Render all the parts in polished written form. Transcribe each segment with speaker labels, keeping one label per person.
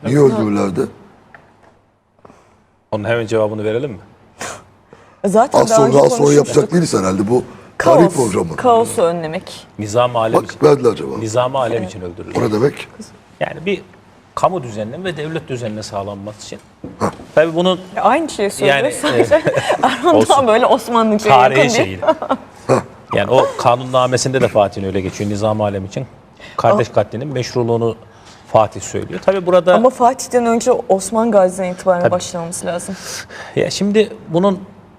Speaker 1: Niye öldürürlerdi?
Speaker 2: Onun hemen cevabını verelim mi?
Speaker 3: Zaten
Speaker 1: Az
Speaker 3: daha önce
Speaker 1: sonra
Speaker 3: konuşmuştuk.
Speaker 1: yapacak değiliz herhalde bu tarih programı.
Speaker 3: Kaosu önlemek.
Speaker 2: Nizam-ı alem
Speaker 1: Bak
Speaker 2: için.
Speaker 1: verdiler cevabı.
Speaker 2: Nizam-ı alem için öldürülür.
Speaker 1: O ne demek?
Speaker 2: Yani bir kamu düzeninin ve devlet düzenine sağlanması için. Tabii bunun
Speaker 3: Aynı şeyi söylüyor.
Speaker 2: Yani,
Speaker 3: Sadece Erhan
Speaker 2: olsun.
Speaker 3: daha böyle Osmanlıca'ya yakın
Speaker 2: tarihi
Speaker 3: bir.
Speaker 2: şeyi. Yani o kanunnamesinde de Fatih'in öyle geçiyor. Nizam-ı alem için kardeş katlinin meşruluğunu Fatih söylüyor. Tabii burada
Speaker 3: Ama Fatih'ten önce Osman Gazi'den itibaren başlaması lazım.
Speaker 2: ya şimdi bunun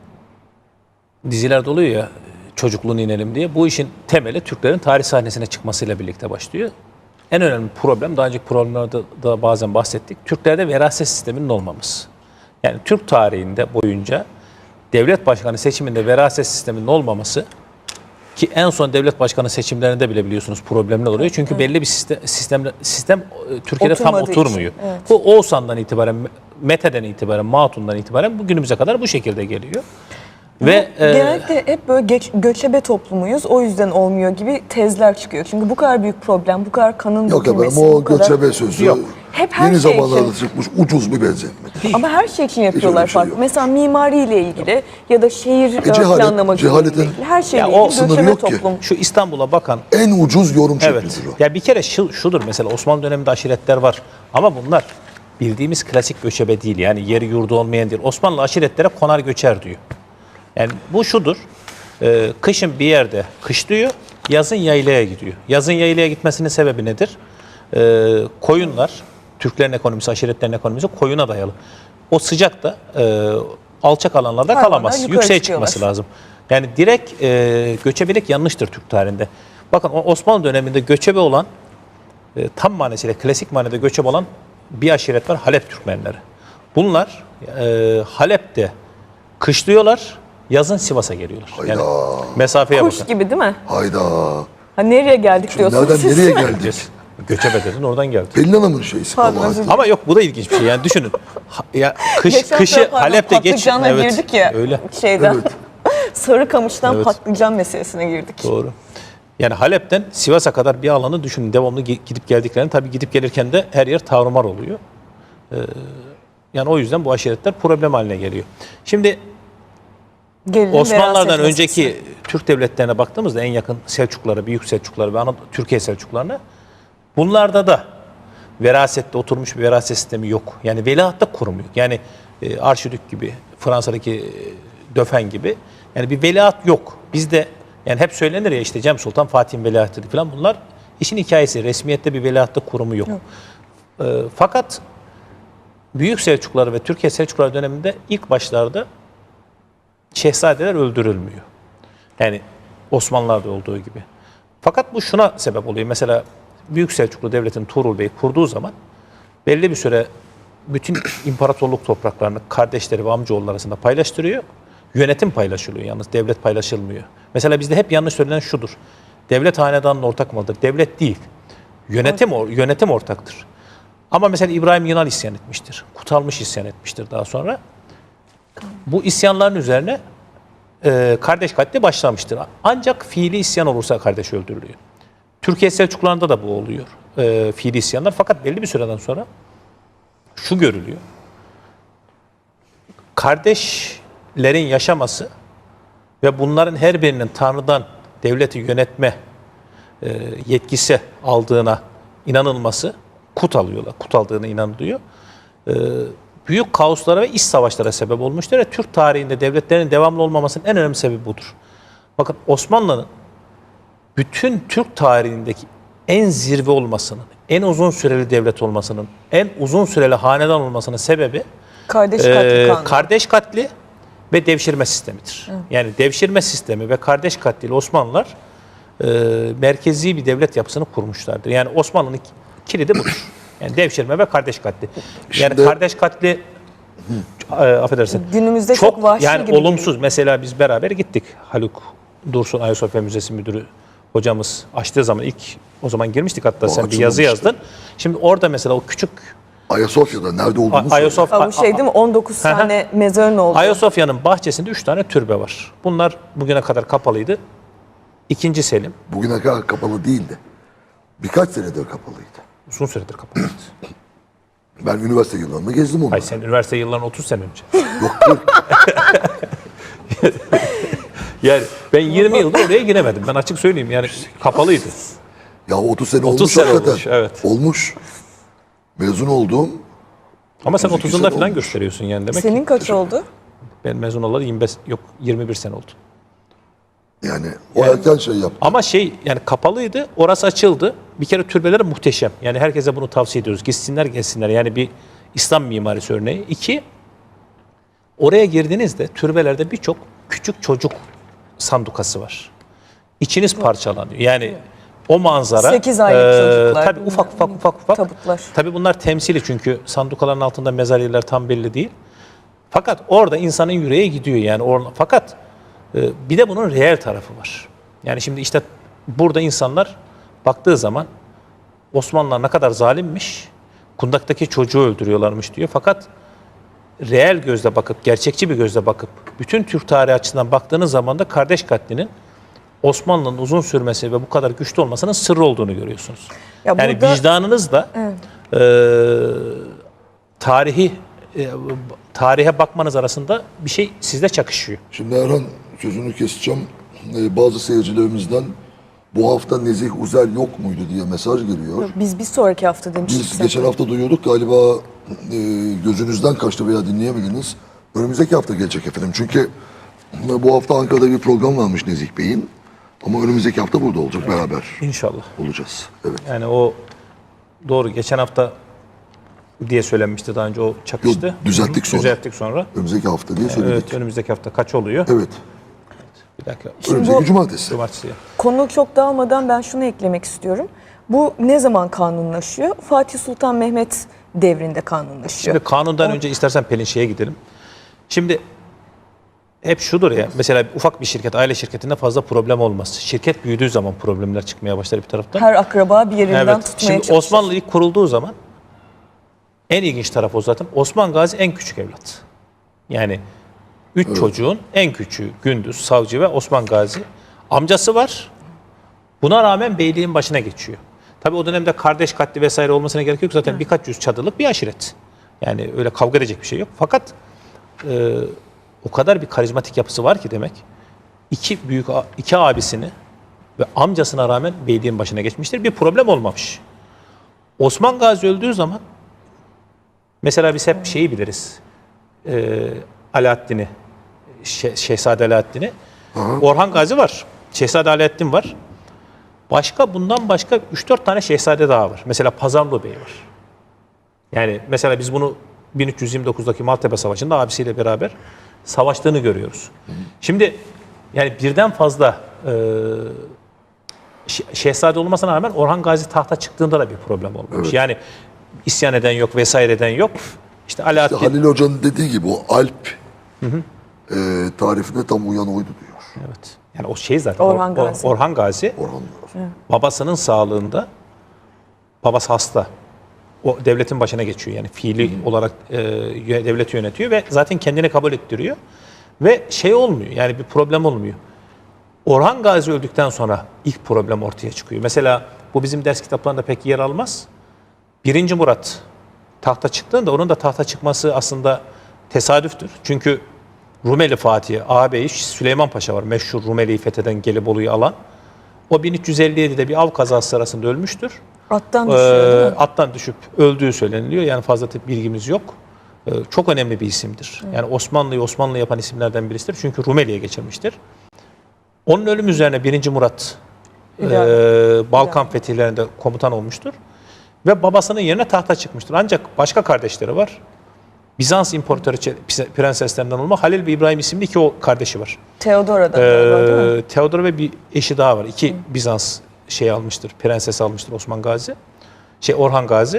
Speaker 2: dizilerde oluyor ya, çocukluğunu inelim diye. Bu işin temeli Türklerin tarih sahnesine çıkmasıyla birlikte başlıyor. En önemli problem, daha önceki programlarda da bazen bahsettik, Türklerde veraset sisteminin olmaması. Yani Türk tarihinde boyunca devlet başkanı seçiminde veraset sisteminin olmaması, ki en son devlet başkanı seçimlerinde bile biliyorsunuz problemler oluyor. Çünkü belli bir sistem Türkiye'de tam
Speaker 3: Oturmadığı için,
Speaker 2: oturmuyor.
Speaker 3: evet.
Speaker 2: Bu Oğuzhan'dan itibaren, Mete'den itibaren, Matun'dan itibaren bugünümüze kadar bu şekilde geliyor. Ve
Speaker 3: Genellikle hep böyle göçebe toplumuyuz. O yüzden olmuyor gibi tezler çıkıyor. Çünkü bu kadar büyük problem, bu kadar kanın
Speaker 1: Yok efendim
Speaker 3: dökülmesi,
Speaker 1: o
Speaker 3: bu kadar...
Speaker 1: göçebe sözü
Speaker 2: Yok.
Speaker 3: Hep her
Speaker 1: yeni
Speaker 3: şey
Speaker 1: zamanlarda
Speaker 3: için.
Speaker 1: çıkmış ucuz bir benzetme.
Speaker 3: Ama her şey için
Speaker 1: öyle
Speaker 3: yapıyorlar
Speaker 1: bir şey
Speaker 3: farklı.
Speaker 1: yok.
Speaker 3: Mesela mimariyle ilgili ya da şehir planlaması ile
Speaker 1: cehaletin
Speaker 3: ilgili her şeyle
Speaker 2: Ya o
Speaker 3: ilgili
Speaker 1: sınırı
Speaker 3: göçebe
Speaker 1: yok ki.
Speaker 3: toplum.
Speaker 2: şu İstanbul'a bakan,
Speaker 1: En ucuz yorum
Speaker 2: evet.
Speaker 1: şeklidir o.
Speaker 2: Ya bir kere şudur mesela, Osmanlı döneminde aşiretler var. Ama bunlar bildiğimiz klasik göçebe değil. Yani yeri yurdu olmayan değil. Osmanlı aşiretlere konar göçer diyor. Yani bu şudur. Kışın bir yerde kışlıyor, yazın yaylaya gidiyor. Yazın yaylaya gitmesinin sebebi nedir? Koyunlar, Türklerin ekonomisi, aşiretlerin ekonomisi koyuna dayalı. O sıcakta alçak alanlarda
Speaker 3: Hayvanlar
Speaker 2: kalamaz.
Speaker 3: yukarı
Speaker 2: Yükseğe
Speaker 3: çıkıyorlar.
Speaker 2: çıkması lazım. Yani direkt göçebelik yanlıştır Türk tarihinde. Bakın Osmanlı döneminde göçebe olan, tam manasıyla klasik manada göçebe olan bir aşiret var, Halep Türkmenleri. Bunlar Halep'te kışlıyorlar, yazın Sivas'a geliyorlar. Yani mesafeye
Speaker 3: Kuş
Speaker 2: bakın.
Speaker 3: gibi değil mi?
Speaker 1: Hayda.
Speaker 3: Ha, nereye geldik diyorsunuz
Speaker 1: Nereden
Speaker 3: siz?
Speaker 1: nereye geldik?
Speaker 2: Göçebe dedin, oradan geldi.
Speaker 1: Pelin Hanım'ın şeysi
Speaker 3: Pardon,
Speaker 1: kabahati.
Speaker 3: özür dilerim.
Speaker 2: Ama yok, bu da ilginç bir şey. Yani düşünün. Ya
Speaker 3: Geçen
Speaker 2: kışı
Speaker 3: sefer
Speaker 2: Halep'te geç.
Speaker 3: patlıcanla girdik ya
Speaker 2: Öyle.
Speaker 3: şeyden. Sarıkamış'tan
Speaker 2: Evet.
Speaker 3: patlıcan meselesine girdik.
Speaker 2: Doğru. Yani Halep'ten Sivas'a kadar bir alanı düşünün. Devamlı gidip geldiklerini, tabii gidip gelirken de her yer tarumar oluyor. Yani o yüzden bu aşiretler problem haline geliyor. Şimdi
Speaker 3: Gelinin
Speaker 2: Osmanlılardan
Speaker 3: veraset
Speaker 2: önceki
Speaker 3: meselesi.
Speaker 2: Türk devletlerine baktığımızda en yakın Selçuklulara, Büyük Selçuklulara ve Türkiye Selçuklularına, bunlarda da verasette oturmuş bir veraset sistemi yok. Yani veliahtta kurumu yok. Yani Arşidük gibi, Fransa'daki Döfen gibi, yani bir veliaht yok. Bizde yani hep söylenir ya, işte Cem Sultan Fatih'in veliahtıydı falan, bunlar işin hikayesi. Resmiyette bir veliahtta kurumu yok. Fakat Büyük Selçuklular ve Türkiye Selçuklular döneminde ilk başlarda şehzadeler öldürülmüyor. Yani Osmanlılar'da olduğu gibi. Fakat bu şuna sebep oluyor. Mesela Büyük Selçuklu Devleti'nin Tuğrul Bey kurduğu zaman belli bir süre bütün imparatorluk topraklarını kardeşleri ve amcaoğulları arasında paylaştırıyor. Yönetim paylaşılıyor yalnız, devlet paylaşılmıyor. Mesela bizde hep yanlış söylenen şudur. Devlet hanedanın ortak malıdır. Devlet değil. Yönetim ortaktır. Ama mesela İbrahim Yınal isyan etmiştir. Kutalmış isyan etmiştir daha sonra. Bu isyanların üzerine kardeş katli başlamıştır. Ancak fiili isyan olursa kardeş öldürülüyor. Türkiye Selçuklularında da bu oluyor. Fiili isyanlar. Fakat belli bir süreden sonra şu görülüyor. Kardeşlerin yaşaması ve bunların her birinin Tanrı'dan devleti yönetme yetkisi aldığına inanılması, kut alıyorlar. Kut aldığına inanılıyor. Büyük kaoslara ve iç savaşlara sebep olmuştur. Ve Türk tarihinde devletlerin devamlı olmamasının en önemli sebebi budur. Bakın Osmanlı'nın bütün Türk tarihindeki en zirve olmasının, en uzun süreli devlet olmasının, en uzun süreli hanedan olmasının sebebi
Speaker 3: Kardeş katli kanunu.
Speaker 2: kardeş katli ve devşirme sistemidir. Yani devşirme sistemi ve kardeş katliyle Osmanlılar merkezi bir devlet yapısını kurmuşlardır. Yani Osmanlı'nın kilidi budur. Yani devşirme ve kardeş katli. Yani
Speaker 1: Şimdi-
Speaker 2: kardeş katli affedersin.
Speaker 3: Günümüzde çok vahşi
Speaker 2: yani
Speaker 3: gibi
Speaker 2: olumsuz.
Speaker 3: geliyor.
Speaker 2: Mesela biz beraber gittik. Haluk Dursun Ayasofya Müzesi Müdürü hocamız açtığı zaman o zaman girmiştik, hatta sen bir yazı
Speaker 1: açılmamıştı.
Speaker 2: yazdın. Şimdi orada mesela o küçük
Speaker 1: Ayasofya'da nerede olduğunu söyle.
Speaker 2: Ayasofya,
Speaker 3: Ha, bu şey değil mi? 19 tane mezarın oldu.
Speaker 2: Ayasofya'nın bahçesinde 3 tane türbe var. Bunlar bugüne kadar kapalıydı. İkinci Selim
Speaker 1: Bugüne kadar kapalı değildi. Birkaç senedir kapalıydı.
Speaker 2: uzun süredir kapalıydı.
Speaker 1: Ben üniversite yıllarında gezdim onları.
Speaker 2: Hayır, sen üniversite yıllarının 30 sene önce.
Speaker 1: Yok 40.
Speaker 2: Yani ben 20 yıldır oraya giremedim. Ben açık söyleyeyim, yani kapalıydı.
Speaker 1: Ya 30 sene
Speaker 2: 30
Speaker 1: olmuş
Speaker 2: sene
Speaker 1: hakikaten.
Speaker 2: olmuş, evet.
Speaker 1: Olmuş. Mezun oldum.
Speaker 2: Ama sen
Speaker 1: 32
Speaker 2: 30'unda
Speaker 1: sene
Speaker 2: falan
Speaker 1: olmuş.
Speaker 2: gösteriyorsun yani demek
Speaker 3: Senin
Speaker 2: ki.
Speaker 3: kaç oldu?
Speaker 2: Ben mezun olalı 21 sene oldu.
Speaker 1: Yani o erken şey yaptı.
Speaker 2: Ama yani kapalıydı, orası açıldı. Bir kere türbeleri muhteşem. Yani herkese bunu tavsiye ediyoruz. Gitsinler gelsinler. Yani bir İslam mimarisi örneği. 2, oraya girdiğinizde türbelerde birçok küçük çocuk sandukası var. İçiniz parçalanıyor. Yani o manzara.
Speaker 3: 8 aylık çocuklar.
Speaker 2: Tabii ufak.
Speaker 3: Tabutlar.
Speaker 2: Tabii bunlar temsili, çünkü sandukaların altında mezar yerleri tam belli değil. Fakat orada insanın yüreği gidiyor yani. Fakat bir de bunun reel tarafı var. Yani şimdi işte burada insanlar baktığı zaman Osmanlılar ne kadar zalimmiş, kundaktaki çocuğu öldürüyorlarmış diyor. Fakat reel gözle bakıp, gerçekçi bir gözle bakıp, bütün Türk tarihi açısından baktığınız zaman da kardeş katlinin Osmanlı'nın uzun sürmesi ve bu kadar güçlü olmasının sırrı olduğunu görüyorsunuz.
Speaker 3: Ya
Speaker 2: Yani
Speaker 3: burada-
Speaker 2: vicdanınızla tarihe bakmanız arasında bir şey sizde çakışıyor.
Speaker 1: Şimdi Erhan, sözünü keseceğim. Bazı seyircilerimizden bu hafta Nezih Uzel yok muydu diye mesaj geliyor.
Speaker 3: Biz bir sonraki hafta demiştik.
Speaker 1: Biz
Speaker 3: zaten.
Speaker 1: geçen hafta duyuyorduk, galiba gözünüzden kaçtı veya dinleyemediniz. Önümüzdeki hafta gelecek efendim. Çünkü bu hafta Ankara'da bir program varmış Nezih Bey'in. Ama önümüzdeki hafta burada olacak, beraber
Speaker 2: İnşallah.
Speaker 1: olacağız. Evet.
Speaker 2: Yani o doğru, geçen hafta diye söylenmişti daha önce, o çakıştı.
Speaker 1: Yok, düzelttik sonra.
Speaker 2: Düzelttik sonra.
Speaker 1: Önümüzdeki hafta diye söyledik.
Speaker 2: Evet, önümüzdeki hafta kaç oluyor?
Speaker 1: Evet.
Speaker 2: Bir dakika.
Speaker 1: Önümüzdeki cumartesi.
Speaker 2: Cumartesi.
Speaker 3: Konu çok dağılmadan ben şunu eklemek istiyorum. Bu ne zaman kanunlaşıyor? Fatih Sultan Mehmet devrinde kanunlaşıyor.
Speaker 2: Şimdi kanundan önce istersen Pelin şeye gidelim. Şimdi hep şudur ya, mesela ufak bir şirket, aile şirketinde fazla problem olmaz. Şirket büyüdüğü zaman problemler çıkmaya başlar bir taraftan.
Speaker 3: Her akraba bir yerinden
Speaker 2: Evet.
Speaker 3: tutmaya
Speaker 2: Şimdi
Speaker 3: çalışır.
Speaker 2: Osmanlı ilk kurulduğu zaman en ilginç taraf o zaten. Osman Gazi en küçük evlat. Yani 3 çocuğun en küçüğü Gündüz, Savcı ve Osman Gazi. Amcası var. Buna rağmen beyliğin başına geçiyor. Tabii o dönemde kardeş katli vesaire olmasına gerek yok. Zaten birkaç yüz çadırlık bir aşiret. Yani öyle kavga edecek bir şey yok. Fakat o kadar bir karizmatik yapısı var ki demek. İki abisini ve amcasına rağmen beyliğin başına geçmiştir. Bir problem olmamış. Osman Gazi öldüğü zaman mesela biz hep şeyi biliriz. Alaaddin'i, Şehzade Alaaddin'i. Orhan Gazi var. Şehzade Alaaddin var. Bundan başka 3-4 tane şehzade daha var. Mesela Pazarlı Bey var. Yani mesela biz bunu 1329'daki Maltepe Savaşı'nda abisiyle beraber savaştığını görüyoruz. Şimdi yani birden fazla şehzade olmasına rağmen Orhan Gazi tahta çıktığında da bir problem olmuş.
Speaker 1: Evet.
Speaker 2: Yani isyan eden yok, vesaire eden yok. İşte Alaaddin...
Speaker 1: İşte Halil Hoca'nın dediği gibi o Alp tarifine tam uyan oydu diyor.
Speaker 2: Evet. Yani o şey zaten
Speaker 3: Orhan Gazi.
Speaker 2: Orhan Gazi
Speaker 1: Orhan.
Speaker 2: babasının sağlığında, babası hasta. O devletin başına geçiyor. Yani fiili olarak devleti yönetiyor ve zaten kendini kabul ettiriyor. Ve şey olmuyor. Yani bir problem olmuyor. Orhan Gazi öldükten sonra ilk problem ortaya çıkıyor. Mesela bu bizim ders kitaplarında pek yer almaz. 1. Murat tahta çıktığında onun da tahta çıkması aslında tesadüftür. Çünkü Rumeli Fatih'i, ağabeyi Süleyman Paşa var. Meşhur Rumeli'yi fetheden, Gelibolu'yu alan. O 1357'de bir av kazası sırasında ölmüştür.
Speaker 3: Attan düşüyor değil mi?
Speaker 2: Attan düşüp öldüğü söyleniliyor. Yani fazla bilgimiz yok. Çok önemli bir isimdir. Yani Osmanlı'yı Osmanlı yapan isimlerden birisidir. Çünkü Rumeli'ye geçirmiştir. Onun ölüm üzerine 1. Murat Balkan fetihlerinde komutan olmuştur. Ve babasının yerine tahta çıkmıştır. Ancak başka kardeşleri var. Bizans İmparatoru prenseslerinden olma Halil ve İbrahim isimli iki o kardeşi var.
Speaker 3: Theodora'dan galiba değil mi?
Speaker 2: Theodor ve bir eşi daha var. İki Bizans prenses almıştır Osman Gazi. Orhan Gazi.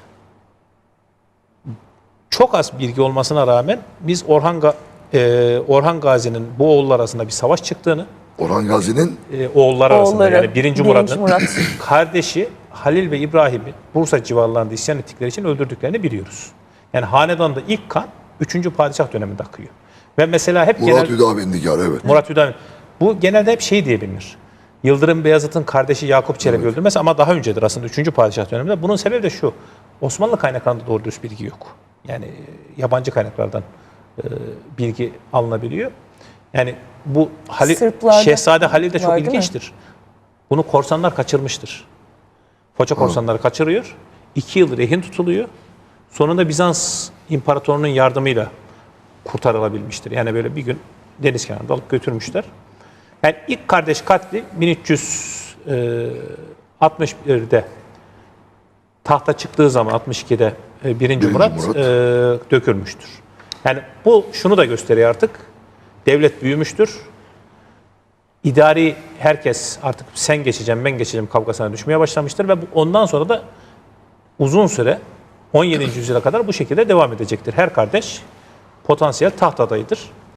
Speaker 2: Çok az bilgi olmasına rağmen biz Orhan Gazi'nin bu oğullar arasında bir savaş çıktığını,
Speaker 1: Orhan Gazi'nin
Speaker 2: oğulları arasında
Speaker 3: Oğulları,
Speaker 2: yani 1.
Speaker 3: birinci
Speaker 2: Murat'ın
Speaker 3: Murat.
Speaker 2: kardeşi Halil ve İbrahim'i Bursa civarlarında isyan ettikleri için öldürdüklerini biliyoruz. Yani hanedanda ilk kan 3. padişah döneminde akıyor. Ve mesela hep
Speaker 1: Murat Hüdavendigar, evet.
Speaker 2: Murat Hüdavendigar. Bu genelde hep şey diye bilinir. Yıldırım Beyazıt'ın kardeşi Yakup Çelebi öldürmesi ama daha öncedir aslında 3. padişah döneminde. Bunun sebebi de şu. Osmanlı kaynaklarında doğru dürüst bilgi yok. Yani yabancı kaynaklardan bilgi alınabiliyor. Yani bu
Speaker 3: Sırplarda
Speaker 2: Şehzade Halil de çok
Speaker 3: var, değil mi?
Speaker 2: ilginçtir. Bunu korsanlar kaçırmıştır. Foça korsanları kaçırıyor. 2 yıl rehin tutuluyor. Sonunda Bizans İmparatorluğu'nun yardımıyla kurtarılabilmiştir. Yani böyle bir gün deniz kenarında alıp götürmüşler. Yani ilk kardeş katli 1361'de tahta çıktığı zaman 62'de 1. Murat,
Speaker 1: Murat.
Speaker 2: dökülmüştür. Yani bu şunu da gösteriyor artık. Devlet büyümüştür. İdari herkes artık sen geçeceğim ben geçeceğim kavgasına düşmeye başlamıştır ve ondan sonra da uzun süre 17. yüzyıla kadar bu şekilde devam edecektir. Her kardeş potansiyel taht adayıdır.